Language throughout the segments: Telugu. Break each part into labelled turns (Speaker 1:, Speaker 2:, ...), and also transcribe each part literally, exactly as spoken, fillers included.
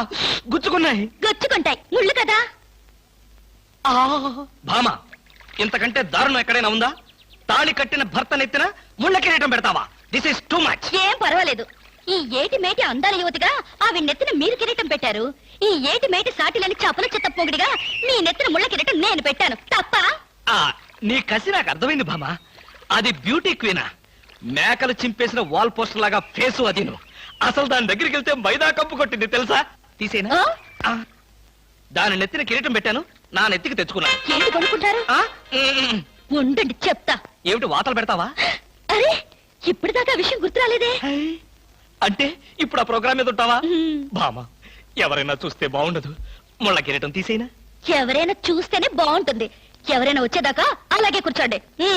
Speaker 1: గుచ్చుకున్నాయి.
Speaker 2: గుచ్చుకుంటాయి, ముళ్ళు కదా.
Speaker 1: భామ, ఇంతకంటే దారుణం ఎక్కడైనా ఉందా? తాళి కట్టిన భర్త నెత్తిన ముళ్ళ కిరీటం పెడతావా? This is too much.
Speaker 2: ఏం పర్వాలేదు. ఈ ఏటి మేటి అందాల యువతిగా ఆవి నెత్తిన మీరు కిరీటం పెట్టారు. ఈ ఏటి మేటి సాటిలని చపల చెత్త పొగిడిగా మీ నెత్తిన ముళ్ళ కిరీటం నేను పెట్టాను. తప్ప?
Speaker 1: నీ కసి నాకు అర్థమైంది భామ. అది బ్యూటీ క్వీనా? మేకలు చింపేసిన వాల్ పోస్టర్ లాగా ఫేసు అది. నువ్వు అసలు దాని దగ్గరికి వెళ్తే మైదా కప్పు కొట్టింది తెలుసా? తీసేనా? దాని నెత్తిన కిరీటం పెట్టాను, నా నెత్తికి తెచ్చుకున్నాను.
Speaker 2: ఏంటి కొనుక్కుంటారు? ఉండండి చెప్తా.
Speaker 1: ఏమిటి వాతలు పెడతావా?
Speaker 2: అరే, ఇప్పుడు దాకా విషయం గుర్తురాలేదే.
Speaker 1: అంటే ఇప్పుడు ఆ ప్రోగ్రామ్ మీద ఉంటావా? భామ, ఎవరైనా చూస్తే బాగుండదు. ముళ్ళ కిరీటం తీసేనా?
Speaker 2: ఎవరైనా చూస్తేనే బాగుంటుంది. ఎవరైనా వచ్చేదాకా అలాగే కూర్చోండి.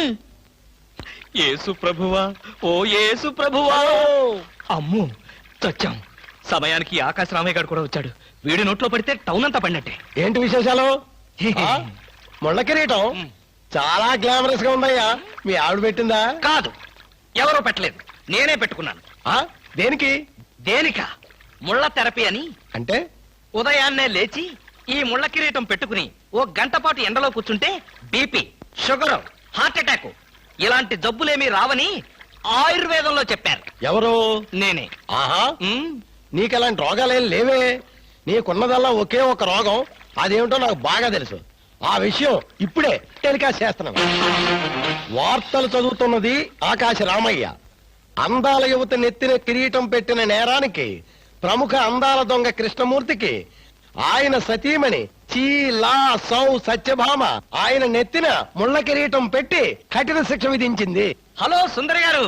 Speaker 1: యేసు ప్రభువా, ఓ యేసు ప్రభువా. అమ్ము, చచ్చాం. సమయానికి ఆకాశ రామయ్య గారు కూడా వచ్చాడు. వీడి నోట్లో పడితే టౌన్ అంతా పడినట్టే.
Speaker 3: ఏంటి విశేషాలు? ముళ్ళ కిరీటం చాలా గ్లామరస్ గా ఉందయ్యా. మీ ఆవిడ పెట్టిందా?
Speaker 1: కాదు, ఎవరో పెట్టలేదు, నేనే పెట్టుకున్నాను.
Speaker 3: దేనికి?
Speaker 1: దేనిక? ముళ్ళ థెరపీ అని.
Speaker 3: అంటే
Speaker 1: ఉదయాన్నే లేచి ఈ ముళ్ళ కిరీటం పెట్టుకుని ఓ గంట పాటు ఎండలో కూర్చుంటే బీపీ, షుగర్, హార్ట్ అటాక్ ఇలాంటి జబ్బులేమీ రావని ఆయుర్వేదంలో చెప్పారు.
Speaker 3: ఎవరు?
Speaker 1: నేనే.
Speaker 3: ఆహా, నీకెలాంటి రోగాలేం లేవే. నీకున్నదల్లా ఒకే ఒక రోగం. అదేమిటో నాకు బాగా తెలుసు. ఆ విషయం ఇప్పుడే టెలికాస్ట్ చేస్తున్నాను. వార్తలు చదువుతున్నది ఆకాశ రామయ్య. అందాల యువత నెత్తిన కిరీటం పెట్టిన నేరానికి ప్రముఖ అందాల దొంగ కృష్ణమూర్తికి ఆయన సతీమణి చీలా సౌ సత్యభామ ఆయన నెత్తిన ముళ్ళ కిరీటం పెట్టి కఠిన శిక్ష విధించింది.
Speaker 1: హలో సుందరి గారు,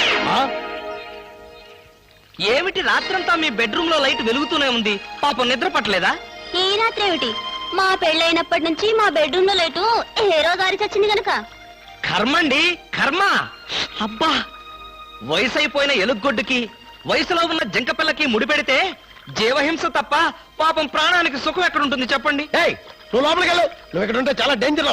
Speaker 1: ఏమిటి రాత్రంతా మీ బెడ్రూమ్ లో లైట్ వెలుగుతూనే ఉంది? పాపం నిద్ర పట్టలేదా?
Speaker 2: ఈ రాత్రి ఏమిటి? మా పెళ్ళైనప్పటి నుంచి మా బెడ్రూమ్ లో లైటు హీరో గారి చచ్చింది గనక.
Speaker 1: కర్మండి, కర్మ. అబ్బా, వయసు అయిపోయిన ఎలుగొడ్డుకి వయసులో ఉన్న జంకపిల్లకి ముడిపెడితే జీవహింస తప్ప పాపం ప్రాణానికి సుఖం ఎక్కడుంటుంది చెప్పండి?
Speaker 3: నువ్వు లోపలికి వెళ్ళు. నువ్వు ఇక్కడ ఉంటే చాలా డేంజర్.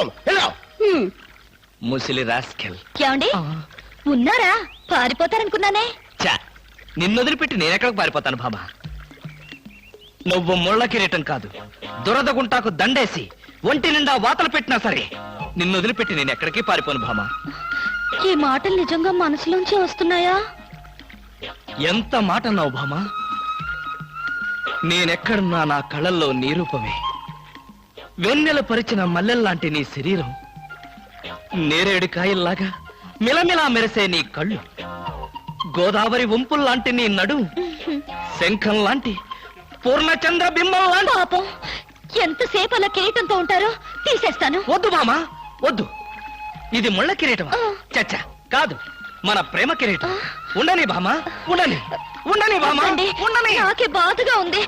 Speaker 1: ముసిలి రాస్కెల్.
Speaker 2: ఏమండి ఉన్నారా? పారిపోతారనుకున్నానే.
Speaker 1: చా, నిన్నొదిలిపెట్టి నేనెక్కడికి పారిపోతాను బాబా? నువ్వు ముళ్ళ కిరీటం కాదు, దురద గుంటాకు దండేసి ఒంటి నిండా వాతలు పెట్టినా సరే నిన్ను వదిలిపెట్టి నేను ఎక్కడికి పారిపోను భామా.
Speaker 2: ఈ మాటలు నిజంగా మనసులోంచి వస్తున్నాయా?
Speaker 1: ఎంత మాట అన్నావు భామా. నేనెక్కడున్నా నా కళ్ళల్లో నీ రూపమే. వెన్నెల పరిచిన మల్లెల్లాంటి నీ శరీరం, నేరేడు కాయల్లాగా మిలమిలా మెరిసే నీ కళ్ళు, గోదావరి వంపుల్లాంటి నీ నడు, శంఖం లాంటి పూర్ణచంద్ర బింబం లాంటి.
Speaker 2: పాపం, ఎంతసేపు అలా కిరీటంతో ఉంటారో తీసేస్తాను.
Speaker 1: వద్దు మామా, వద్దు. ఇది ముళ్ళ కిరీటమా? చచ్చా, కాదు, మన ప్రేమ కిరీటం. ఉండని బామా, ఉండని ఉండని బామా, ఉండని.
Speaker 2: నాకే బాధగా ఉంది.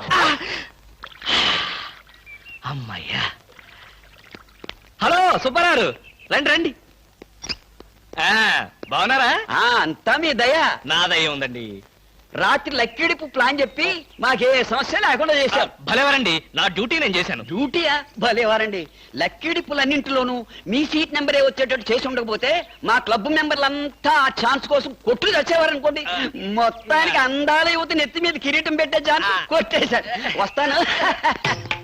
Speaker 1: అమ్మయ్యా. హలో సుబ్బారావు, రండి రండి. బాగున్నారా?
Speaker 4: అంతా మీ దయ.
Speaker 1: నా దయ ఉందండి.
Speaker 4: రాత్రి లక్కిడిపు ప్లాన్ చెప్పి మాకే సమస్య లేకుండా చేశారు.
Speaker 1: భలేవారండి, నా డ్యూటీ నేను చేశాను.
Speaker 4: డ్యూటీయా? భలేవారండి. లక్కిడిపులన్నింటిలోనూ మీ సీట్ నెంబరే వచ్చేటట్టు చేసి ఉండకపోతే మా క్లబ్ మెంబర్లంతా ఆ ఛాన్స్ కోసం కొట్టులు వచ్చేవారనుకోండి. మొత్తానికి అందాల యువత నెత్తి మీద కిరీటం పెట్టే ఛాన్స్ కొట్టేశారు. వస్తాను.